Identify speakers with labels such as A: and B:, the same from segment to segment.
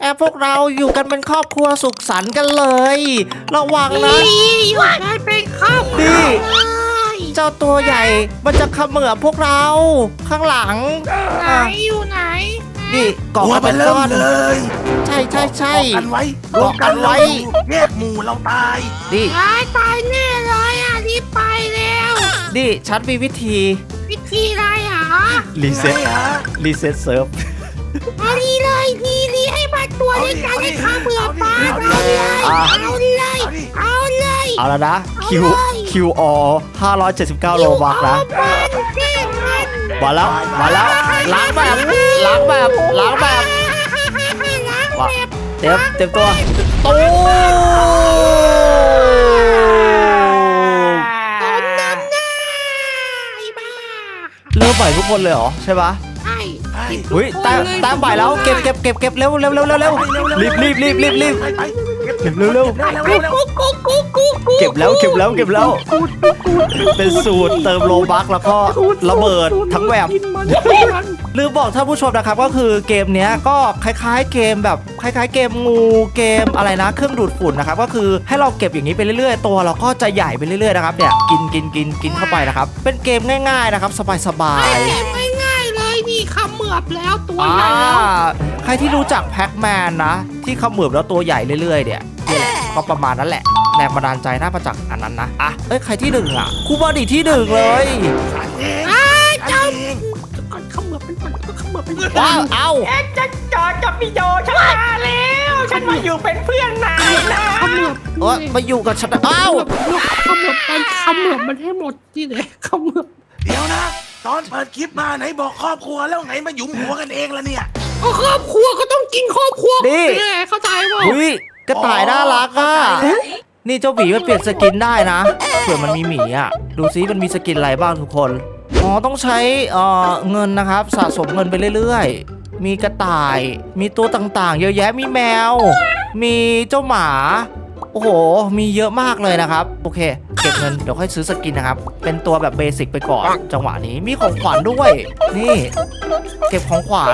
A: พวกเราอยู่กันเป็นครอบครัวสุขสันต์กันเลย ระวังนะ
B: อยู่กันเป็นครอบครัว
A: นี่
B: เลย
A: เจ้าตัวใหญ่มันจะเขมือบพวกเราข้างหลัง
B: ไหนอยู่ไหน
A: นี่เกาะ
C: หัว
A: กัน
C: มั
A: เป็น น
C: เริ่
A: ก้
C: ม
A: อน
C: เลย
A: ใช่ใช่ใช่
C: เกาะกันไว้
A: เกาะกันไว้
C: แยกหมู่เราตาย
A: นี่
B: ตายแน่เลยอ่ะรีบไปแล้ว
A: นี่ฉันมีวิธี
B: วิธีอะไรอ่ะ
A: รีเซ็ต
C: ไงฮะ
A: รีเซ็ตเซิร์ฟ
B: เอาดีเลยดีให้มาตัวเล็กกันให้ข้าเบื่อปลาเอาเลย
A: อ่ะ
B: เอาเลยเอาเลย
A: เอาแล้วนะคิว
B: เอาเลย
A: QR 579โลบักนะ
B: มันเก่งมัน
A: มาแล้วล้างแบบว่าเต็มตัวตู้
B: ต้นน้ำหน้าไอ้บ้า
A: เริ่มใหม่ทุกคนเลยเหรอใช่ปะ
B: ใช่
C: ไป
A: เฮ้ยแต้มใหม่แล้วเก็บเร็วรีบเร็ว เก็บแล้วเป็นสูตรเติมโลบักแล้วก็ระเบิดทั้งแบบลืมบอกท่านผู้ชมนะครับก็คือเกมเนี้ยก็คล้ายๆเกมแบบคล้ายๆเกมงูเกมอะไรนะเครื่องดูดฝุ่นนะครับก็คือให้เราเก็บอย่างนี้ไปเรื่อยๆตัวเราก็จะใหญ่ไปเรื่อยๆนะครับเนี่ยกินเข้าไปนะครับเป็นเกมง่ายๆนะครับสบาย
B: เกมง่ายๆเลยนี่ขมือบแล้วตัว
A: ๆ
B: ใหญ่แล้ว
A: ใครที่รู้จักแพ็กแมนนะที่เขมือบแล้วตัวใหญ่เรื่อยๆเนี่ยนี่แหละก็ประมาณนั้นแหละแรงบันดาลใจน่ามาจากอันนั้นนะใครที่หนึ่งอ่ะครูบอดี้ที่หนึ่งเลย
C: ฉันเอง
B: เจ้า
C: ฉันเอง
B: ก่อนขมือบเป็นมันก็ขมือบเป็น
A: ว้าวเอ้า
D: ฉันจอกับพี่โยฉันมาแล้ว ฉันมาอยู่เป็นเพื่อนนายนะ
B: ขมือบ
A: มาอยู่กับฉันเอ้า
B: ขมือบมันให้หมดที่ไหนขมือบ
C: เดี๋ยวนะ ตอนเปิดคลิปมาไหนบอกครอบครัวแล้วไงมาหยุมหัวกันเองละเนี่ย
B: ก็ครอบครัวก็ต้องกินครอบครัวเข้าใจป่ะ
A: อุ้ยกระต่ายน่ารักอ่ะนี่เจ้าหมีมันเปลี่ยนสกินได้นะเผื่อมันมีหมีอ่ะดูซิมันมีสกินอะไรบ้างทุกคนต้องใช้เงินนะครับสะสมเงินไปเรื่อยๆมีกระต่ายมีตัวต่างๆเยอะแยะมีแมว มีเจ้าหมาโอ้โหมีเยอะมากเลยนะครับโอเคเก็บเงินเดี๋ยวค่อยซื้อสกินนะครับเป็นตัวแบบเบสิกไปก่อนจังหวะนี้มีของขวัญด้วยนี่เก็บของขวัญ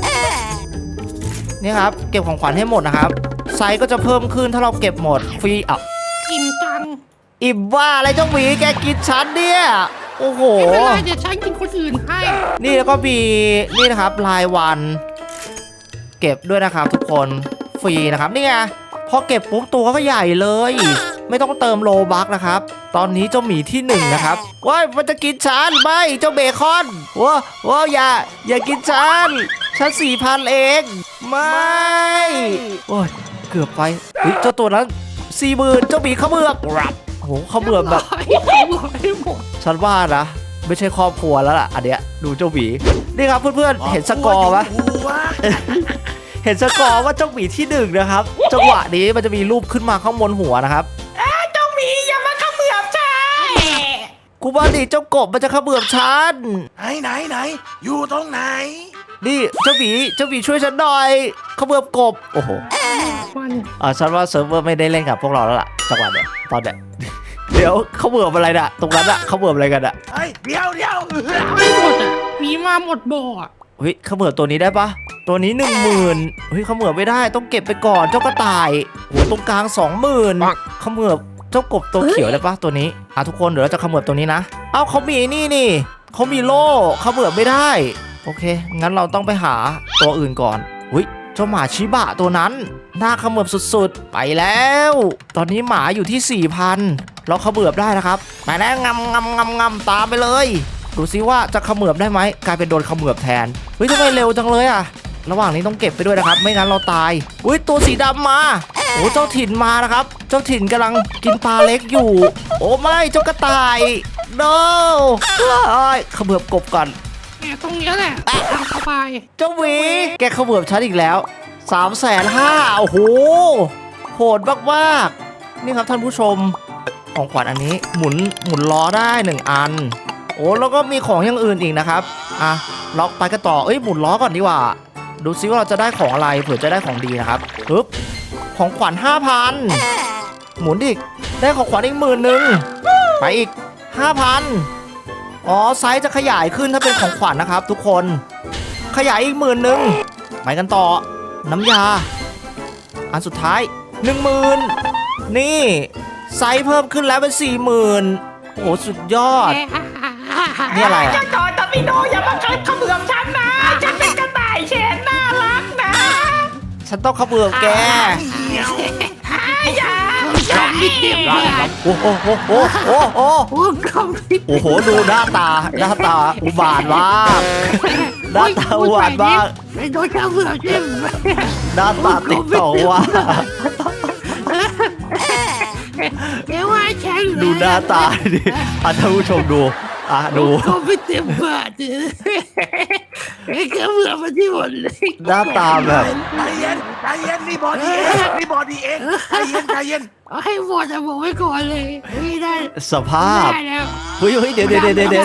A: นี่ครับเก็บของขวัญให้หมดนะครับไซส์ก็จะเพิ่มขึ้นถ้าเราเก็บหมดฟรี
B: กินจัง
A: อิ่มว่าอะไรเจ้าหมีแกกินฉันเนี่ยโอ้โห
B: ไม่เป็นไรเดี๋ยวฉันกินคนอื่นให้
A: นี่แล้วก็มีนี่นะครับรายวันเก็บด้วยนะครับทุกคนฟรีนะครับนี่ไงพอเก็บปุ๊บตัวก็ใหญ่เลย ไม่ต้องเติมโลบักนะครับตอนนี้เจ้าหมีที่หนึ่งนะครับว้ายมันจะกินฉันไม่เจ้าเบคอนว้าอย่ากินฉัน 4,000 เองไม่โอ้ยเกือบไปเจ้าตัวนั้น40,000เจ้าหมีเขมือบโอ้โหเขมือบแบบ
B: ให้หมด
A: ฉันว่านะไม่ใช่ครอบครัวแล้วล่ะอันเนี้ยดูเจ้าหมีนี่ครับเพื่อนๆเห็นสกอร์ปะ
C: หัว
A: เห็นสกอร์ว่าเจ้าหมีที่หนึ่งนะครับจังหวะนี้มันจะมีรูปขึ้นมาข้างบนหัวนะครับ
D: เจ้าหมีอย่ามาเขมือบฉัน
A: กูว่าดิเจ้ากบมันจะเขมือบฉัน
C: ไหนอยู่ตรงไหน
A: นี่เจ้าหมีช่วยฉันหน่อยเขมือบกบโอ้โห
B: มัน
A: ฉันว่าเซิร์ฟเวอร์ไม่ได้เล่นกับพวกเราแล้วล่ะจังหวะเนี้ยตอนเนี้ย เดี๋ยวเขมือบอะไรน่ะตรงนั้นอะเขมือบอะไรกันอะ
C: เฮ้ยเดี๋ยว
B: ไม่หมดอ่ะมีมาหมดบ่ออ่ะ
A: เฮ้ยเขมือบตัวนี้ได้ปะตัวนี้ 10,000เฮ้ยเขมือบไม่ได้ต้องเก็บไปก่อนเจ้ากระต่ายโอ้ตรงกลาง 20,000เขมือบเจ้ากบตัวเขียวได้ปะตัวนี้ทุกคนเดี๋ยวเราจะเขมือบตัวนี้นะเขามีนี่เขามีโล่เขมือบไม่ได้โอเคงั้นเราต้องไปหาตัวอื่นก่อนอุ้ยเจ้าหมาชิบะตัวนั้นน่าเขมือบสุดๆไปแล้ว ตอนนี้หมาอยู่ที่ 4,000เราเขมือบได้นะครับไปแล้วงำตามไปเลยดูซิว่าจะเขมือบได้ไหมกลายเป็นโดนเขมือบแทนเฮ้ยทำไมเร็วจังเลยอะระหว่างนี้ต้องเก็บไปด้วยนะครับไม่งั้นเราตายอุ้ยตัวสีดำมาโอ้เจ้าถิ่นมานะครับเจ้าถิ่นกำลังกินปลาเล็กอยู่โอ้ไม่เจ้ากระต่าย no เขมือบกบก่อน
B: เนี่ยตรงเนี้ยแหละทางเข้าไป
A: เจ้าหวีแกเขมือบฉันอีกแล้ว 350,000โอ้โหโหดมากๆนี่ครับท่านผู้ชมของขวัญอันนี้หมุนล้อได้1อันโอ้แล้วก็มีของอย่างอื่นอีกนะครับล็อกไปกันต่อหมุนล้อก่อนดีกว่าดูซิว่าเราจะได้ของอะไรเผื่อจะได้ของดีนะครับปึ๊บของขวัญ 5,000หมุนอีกได้ของขวัญอีก10,000ไปอีก 5,000ไซส์จะขยายขึ้นถ้าเป็นของขวัญนะครับทุกคนขยายอีก10,000ไปกันต่อน้ำยาอันสุดท้าย 10,000นี่ไซส์เพิ่มขึ้นแล้วเป็น 40,000โอ้โหสุดยอดนี่อะไร
D: เจ้า
A: อะ
D: จอตอร์ปิโดอย่ามาเขมือบฉันนะฉันเป็นกระต่ายแสนน่ารักนะ
A: ฉันต้องเขมือบแก
D: อย่า
B: ไม่เต็มบาท
A: โอ้โหโอ้โหโอ้โห
B: โอ้กล่องไม่
A: โอ้โหดูหน้าตาอุบาทมากหน้าตาอุบาทมาก
B: ไม่โดนข้าวเบื่อใช่ไหม
A: หน้าตาติดต่อว่า
B: เดี๋ยวว่าฉัน
A: ดูหน้าตาดิท่านผู้ชมดูดู
B: เขาไม่เต็มบาทไอ้ข้าวเบื่อมาที่หมดเลย
A: หน้าตาแบบ
C: ใจเย็นนี่บอดี้เองนี่บอดี้เองใจเย็น
B: เอาให้หมดอะบอกไว้ก่อนเลยไม่ได้
A: สภาพ
B: ได้แล้ว
A: เฮ้ยเดี๋ยว
B: ไอ้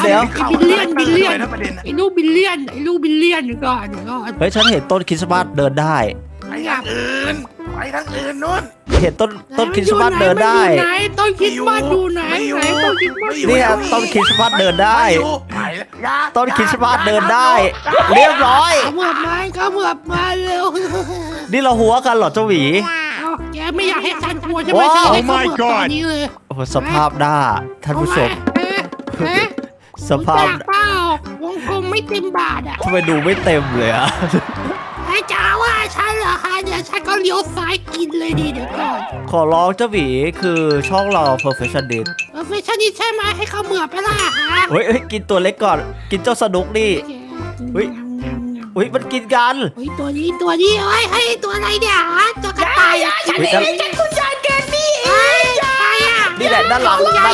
B: ลูกบิลเลียนก่อน
A: เฮ้ยฉันเห็นต้นคริสต์มาสเดินได้
C: ไปทางอื่นนู้น
A: เห็นต้นคริสต์มาสเดินได้
B: ไหนต้นคริสต์มาสดูไหนต้นคริสต์มาส
A: เนี่ยต้นคริสต์มาสเดินได้
C: ไป
A: ต้นคริสต์มาสเดินได้ เรียบร้อย
B: เขาเหมือบมาเร็ว
A: นี่เราหัวกันเหรอเจ้าหวี
B: แกไม่อยากให้ฉันกลัวใช่ไหมฉันให้เขาเหมือบตอนนี้เลย
A: โอ้โหสภาพหน้าท่านผู้ชมสภาพ
B: เปล่าวงกลมไม่เต็มบาทอ่ะ
A: ทำไมดูไม่เต็มเลยอะ
B: ไอ้จ๋าว่าฉันเหรอคะเดี๋ยวฉันก็เลี้ยวซ้ายกินเลยดีเดี๋ยวก่อน
A: ขอร้องเจ้าหวีคือช่องเรา perfectionist
B: ไม่ใช่นี่ใช่ไหมให้เขาเหมือบไปล่ะฮะ
A: เฮ้ยกินตัวเล็กก่อน กินเจ้าสนุกนี่ เฮ้ย อุ้ยมันกินกัน
B: เฮ้ยตัวนี้เฮ้ยให้ตัวอะไรเนี่ยฮะตัวกระต่าย
D: ฉันเองฉันคุณยายแกนี่เอ
B: เฮ้ย
D: ง
B: ใครอ่ะ
A: นี่แหละด้านหลัง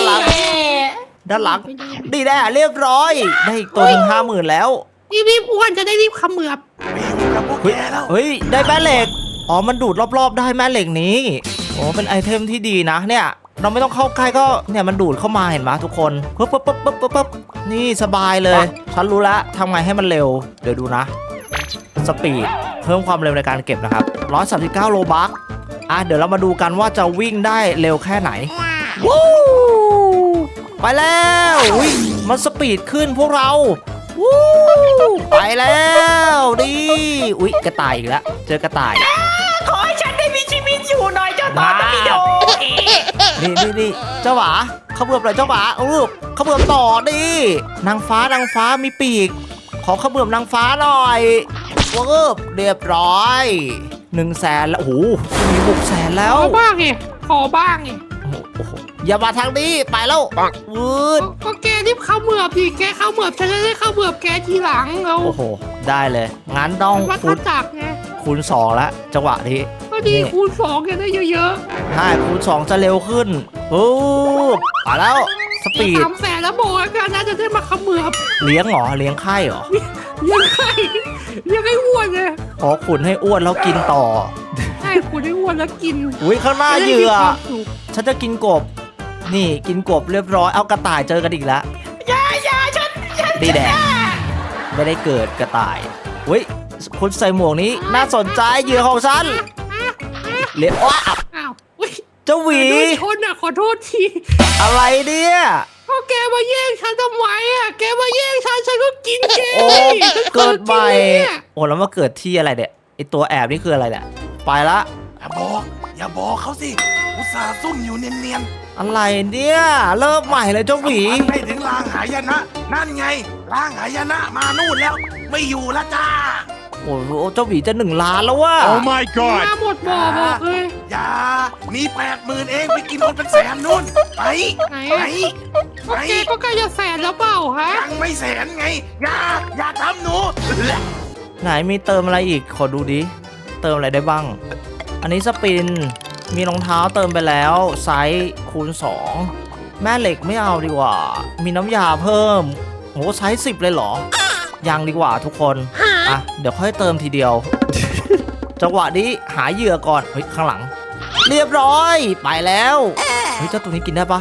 A: นี่แหละเรียบร้อย ได้อีกตัวหนึ่ง50,000แล้ว
B: รีบอ้วนจะได้รีบเขมือบ
C: ไปอยู่กับพวก
A: เฮ้ย
C: แกแล้ว
A: เฮ้ยได้แม่เหล็กอ๋อมันดูดรอบๆได้แม่เหล็กนี้โอ้เป็นไอเทมที่ดีนะเนี่ยเราไม่ต้องเข้าใกล้ก็เนี่ยมันดูดเข้ามาเห็นไหมทุกคนปึ๊บนี่สบายเลยฉันรู้แล้วทำไงให้มันเร็วเดี๋ยวดูนะสปีดเพิ่มความเร็วในการเก็บนะครับ139โลบัคเดี๋ยวเรามาดูกันว่าจะวิ่งได้เร็วแค่ไหนวู้ไปแล้วอุ้ยมันสปีดขึ้นพวกเราวู้ไปแล้วดิอุ๊ยกระต่ายอีกแล้วเจอกระต่าย
D: ขอให้ฉันได้มีชีวิตอยู่หน่อยเจ้าตอร์ปิโด
A: นี่เจ้าหวาเขาเบือบเลยเจ้าหวาลูกเขาเบือบต่อดินางฟ้ามีปีกขอเขาเบือบนางฟ้าหน่อยเรียบร้อย100,000แล้วโอ้โหมี600,000แล้ว
B: ขอบ้างไง
A: โอ้โหอย่ามาทางนี้ไปแล้ววืด
B: ก็แกรีบเขมือบดิแกเขมือบฉันจะได้เขมือบแกทีหลังเรา
A: โอ้โหได้เลยงั้นต้อง
B: วัด
A: คูณ
B: จักรไง
A: คูณ2แล้วจังหวะนี้
B: ก็ดีคูณ2กันได้เยอะ
A: ใช่คูณ2จะเร็วขึ้นปุ๊บไปแล้วส
B: ๆ
A: ปีด
B: 300,000แล้วบอกว่ากันนะจะได้มาเขมือบ
A: เลี้ยงเหรอเลี้ยงไข่เหรอ
B: ยังไงยังไงอ้วนไง
A: ขอขุนให้อ้วนแล้วกินต่อ
B: ใช่คุณได้อ้วนแล้วกิน
A: อุ้ยข้างหน้าเหยื่อ
B: จะได้มีความสุข
A: ฉันจะกินกบ นี่กินกบเรียบร้อยเอากระต่ายเจอกันอีกแล้ว
D: อย่าฉัน
A: ดีแดงไม่ได้เกิดกระต่ายอุ้ยคุณใส่หมวกนี้น่าสนใจเหยื่อของฉันเลี้ยงว้า
B: อ้าวอุ๊ย
A: เจ้าหวี
B: โดนชนอ่ะขอโทษที
A: อะไรเนี่ย
B: ก็แกมาแย่งฉันทำไมอ่ะแกมาแย่งฉันก็กินแก
A: โอ้เกิดใหม่
B: ฉันกินเนี่ย
A: โอ้แล้วมาเกิดที่อะไรเนี่ยไอตัวแอบนี่คืออะไรเนี่ยไปละ
C: อย่าบอกเขาสิอุตส่าห์ซุ่มอยู่เนียน
A: อะไรเนี่ยเริ่มใหม่เลยเจ้าหวี
C: ๆให้ถึงลางหายนะนั่นไงลางหายนะมานู่นแล้ว ไม่อยู่ละจ้า
A: โอ้โหเจ้าหวีจะ1 ล้านแล้วว่ะ
E: Oh my god!
B: มาหมดบ่อบอกเลย
C: อย่ามี80,000เองไปกินคนเป็นแสนนู่นไป
B: ไหน
C: ไป
B: อะ
C: ไป
B: แกก็ใกล้จะแสนแล้วเปล่าฮะ
C: ยังไม่แสนไงอย่าทำหนู
A: ไหนมีเติมอะไรอีกขอดูดิเติมอะไรได้บ้าง อันนี้สปินมีรองเท้าเติมไปแล้วไซส์คูณ2แม่เหล็กไม่เอาดีกว่า มีน้ำยาเพิ่มโหไซส์10เลยเหรอยังดีกว่าทุกคนเดี๋ยวค่อยเติมทีเดียว จังหวะนี้หาเหยื่อก่อนเฮ้ยข้างหลัง เรียบร้อยไปแล้วเฮ้ยเจ้าตัวนี้กินได้ปะ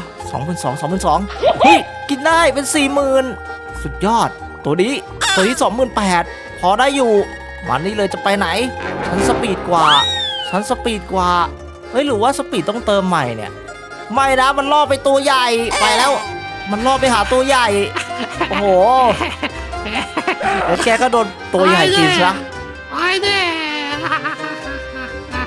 A: 22,000 เฮ้ยกินได้เป็น 40,000 สุดยอดตัวนี้28,000พอได้อยู่วันนี้เลยจะไปไหนฉันสปีดกว่าเฮ้ยหรือว่าสปีดต้องเติมใหม่เนี่ยไม่นะมันล่อไปตัวใหญ่ไปแล้ว มันล่อไปหาตัวใหญ่โอ้โหแล้วแกก็โดนตัวใหญ่กินซะ
B: ไอ้แน่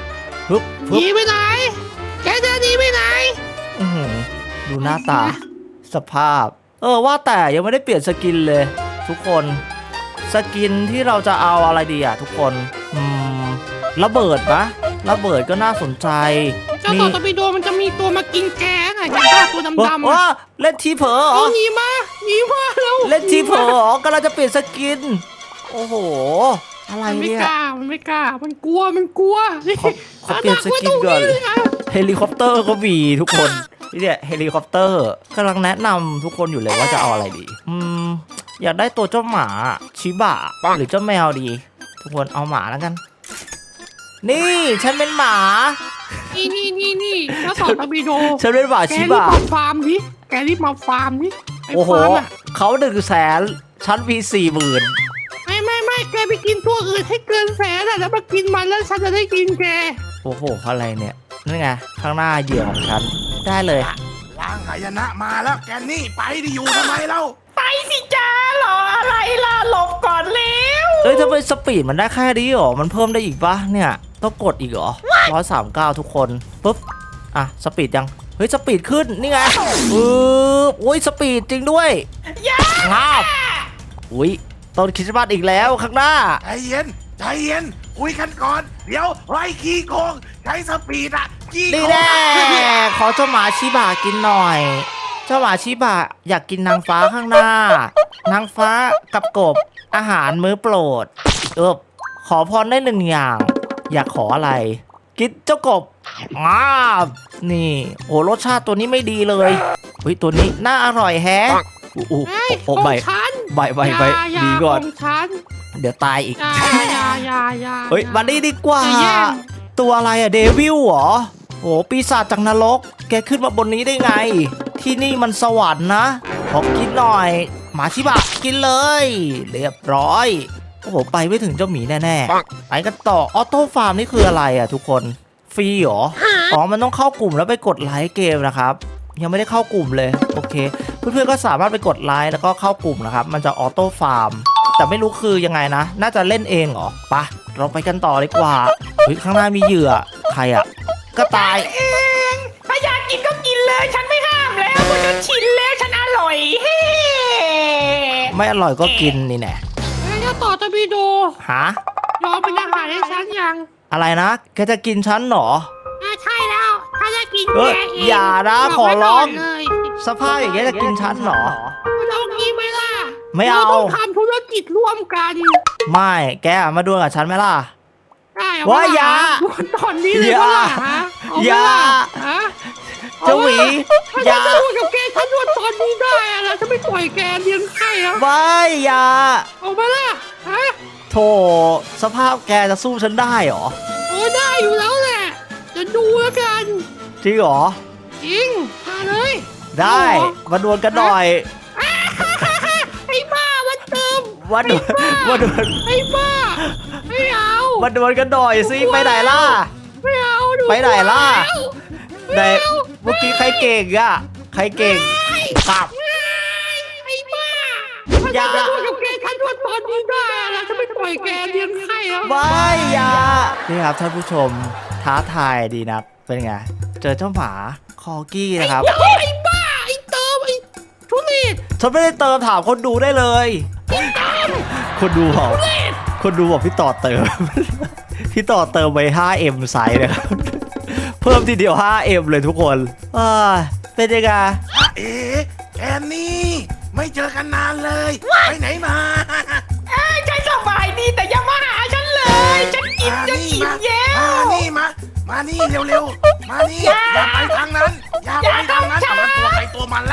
A: ฮึบ
B: หนีไปไหนแกจะหนีไปไหน
A: อื้อหือดูหน้าตาสภาพ ว่าแต่ยังไม่ได้เปลี่ยนสกินเลย ทุกคนสกินที่เราจะเอาอะไรดีอ่ะทุกคนระเบิดปะระเบิดก็น่าสนใจ
B: เจ้าต่อตะปีโดมันจะมีตัวมากินแกไงเห็นป่ะตัวดำๆ
A: ว่าเล่นทีเผลอเหรอ
B: หนีมาแล้ว
A: เล่นทีเผลอเหรอกำลังจะเปลี่ยนสกิน โอ้โห อะไร
B: มันไม่
A: เนี่ย
B: กล้ามันกลัว
A: ขอเปลี่ยนสกินก่อนเฮลิคอปเตอร์ก็มีทุกคนนี่เนี่ยเฮลิคอปเตอร์กำลังแนะนำทุกคนอยู่เลยว่าจะเอาอะไรดีอยากได้ตัวเจ้าหมาชิบะหรือเจ้าแมวดี ทุกคนเอาหมาแล้วกัน นี่ฉันเป็นหมา
B: นี่เจ้าต่อตะปีโด
A: ฉันเป็นหมา
B: แก
A: ชิ
B: รี
A: บะ
B: บมาฟาร์มดิแกรีบมาฟาร์มดิไอ้
A: โอ้โห
B: ฟาร์มอะ
A: เขา100,000ฉันมี40,000
B: ไม่แกไปกินตัวอื่นให้เกินแสนอะแล้วมากินมันแล้วฉันจะได้กินแก
A: โอ้โหอะไรเนี่ยนั่นไงข้างหน้าเหยื่อของฉันได้เลย
C: ล้างหายนะมาแล้วแกนี่ไปดิอยู่ทำไมเล่า
D: ไปสิจ้ารออะไรล่ะหลบก่อนเร็ว
A: ทำไมสปีดมันได้แค่นี้หรอมันเพิ่มได้อีกปะเนี่ยต้องกดอีกเหรอ139ทุกคนปุ๊บอ่ะสปีดยังเฮ้ยสปีดขึ้นนี่ไงโอ้ยสปีดจริงด้วยงาบอุ้ยต้นคริสต์มาสอีกแล้วข้างหน้า
C: ใจเย็นคุยกันก่อนเดี๋ยวไล่ขี้โกงใช้สปีดอะขี้โก
A: นี่
C: ง
A: แน่ขอเจ้าหมาชิบะกินหน่อย เจ้าหมาชิบะอยากกินนางฟ้าข้างหน้านางฟ้ากับกบอาหารมื้อโปรดขอพรได้1 อย่าง อยากขออะไร กินเจ้ากบนี่โอ้รสชาติตัวนี้ไม่ดีเลยเฮ้ยตัวนี้น่าอร่อยแฮะโอ้
B: ของ
A: ใบ
B: ฉัน
A: ดีก่อน
B: ของฉัน
A: เดี๋ยวตายอีก
B: อย่า
A: เฮ้ยมานี่ดีกว่า
B: จะแย่ง
A: ตัวอะไรอะเดวิลเหรอโอ้ปีศาจจากนรก แกขึ้นมาบนนี้ได้ไง ที่นี่มันสวรรค์นะขอกินหน่อย หมาชิบะกินเลย เรียบร้อยโอ้โหไปไม่ถึงเจ้าหมีแน่ๆไปกันต่อออโต้ฟาร์มนี่คืออะไรอะทุกคนฟรีเหรออ๋อมันต้องเข้ากลุ่มแล้วไปกดไลค์เกมนะครับยังไม่ได้เข้ากลุ่มเลยโอเคเพื่อนๆก็สามารถไปกดไลค์แล้วก็เข้ากลุ่มนะครับมันจะออโต้ฟาร์มแต่ไม่รู้คือยังไงนะน่าจะเล่นเองเหรอปะเราไปกันต่อดีกว่าเฮ้ยข้างหน้ามีเหยื่อใครอะก็ตาย
D: เองถ้าอยากกินก็กินเลยฉันไม่ห้ามแล้วเพราะฉันชินแล้วฉันอร่อยเฮ้
A: ไม่อร่อยก็กินนี่แน่
B: เจ้าต่อตะปีโด
A: ฮะ
B: ยอมเป็นอาหารให้ฉันยัง
A: อะไรนะแกจะกินฉันเหรอ
B: ใช่แล้วถ้าจะกิน
A: เฮ้
B: แก
A: ย
B: เอง
A: อย่านะ
B: บก
A: ขอ
B: ไว้
A: ร้อง
B: ก่นเลย
A: สภาพอย่างเงี้ยจะกินฉันเหรอ
B: เรากินไหมล่ะ
A: ไม่เอา
B: รต้องทำธุรกิจร่วมกัน
A: ไม่แกมาดวลกับฉันไหมล่ะ
B: ได้เอ
A: ว่าอย่า
B: ดวลตอนนี้เลย
A: อย่า
B: ว่าฮะเ
A: อย่า
B: ฮะ
A: เจ้าหวี
B: ถ้า
A: อย่า
B: จะดวลกับแกฉันดวลตอนนี้ได้อะนะฉันไม่ปล่อยแกเลี้ยงไข่แล้ว
A: ไม่อย่า
B: เอามาล่ะฮะ
A: โถสภาพแกจะสู้ฉันได้เหรอ
B: โอ้ได้อยู่แล้วแหละจะดูแล้วกัน
A: จริงเหรอ
B: จริงมาเลย
A: ได้มาดวลกันหน่อย
B: ไอ้บ้ามันเติม
A: มาดวลมาดวล
B: ไอ้บ้าไม่เอา
A: มาดวลกันหน่อยสิไปไหนล่ะ
B: ไม่เอาดู
A: ไปไหนล่ะ
B: ไม่
A: แต่
B: เอา
A: เมื่อกี้ใครเก่งอะใครเก่งกลับ
B: ไอ้บ้า
A: อย่า
B: ถ้าจะดวลกับแกฉันดวลตอนนี้ได้อะนะฉันไม่ปล่อยแกเลี้ยงไข่แล้ว
A: ไม่อย่านี่ครับท่านผู้ชมท้าทายดีนะเป็นไง เจอเจ้าหมาคอกี้นะครับ
B: ไอ้บ้าไอ้เติมไอ้ทุเรศ
A: ฉันไม่ได้เติมถามคนดูได้เลย คนดูบอกคนดูบอกพี่ต่อเติม พี่ต่อเติมไป 5M ไซส์นะครับ เพิ่มทีเดียว 5M เลยทุกคนเป็นยังไง
C: เอ๊ะแกนี่ไม่เจอกันนานเลย ไปไหนมา
D: ฉันสบายดีแต่อย่ามาหาฉันเลย ฉันกินจะอิ่มแย้
C: มานี่เร็วๆ มานี่อย่าไปทางนั้น อย่าไปทางนั้นเอามันตัวใครตัวมันละ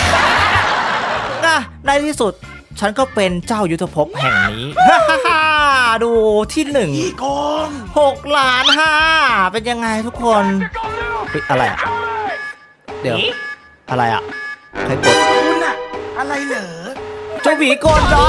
A: ในที่สุดฉันก็เป็นเจ้ายุทธภพแห่งนี้ ดูที่หนึ่ง
C: ขี้โกง
A: 6,500,000เป็นยังไงทุกคนเฮ้ยอะไรอะเดี๋ยวอะไรอะใครกด
C: คุณอะอะไรเหรอ
A: เจ้าหมีกดเหรอ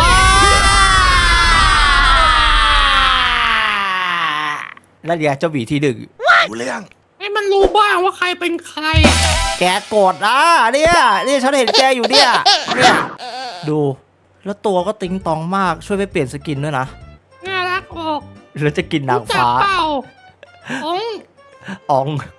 A: แล้วเดี๋ยวเจ้าหมีที่หนึ่ง
C: ดูเรื่อง
B: ให้มันรู้บ้างว่าใครเป็นใคร
A: แกกดเนี่ยฉันเห็นแกอยู่เนี่ยดูแล้วตัวก็ติ๊งตองมากช่วยไปเปลี่ยนสกินด้วยนะ
B: น่ารักออก
A: แล้วจะกินนาง
B: รู้จัก
A: ฟ้า
B: เปล่าของ
A: ออง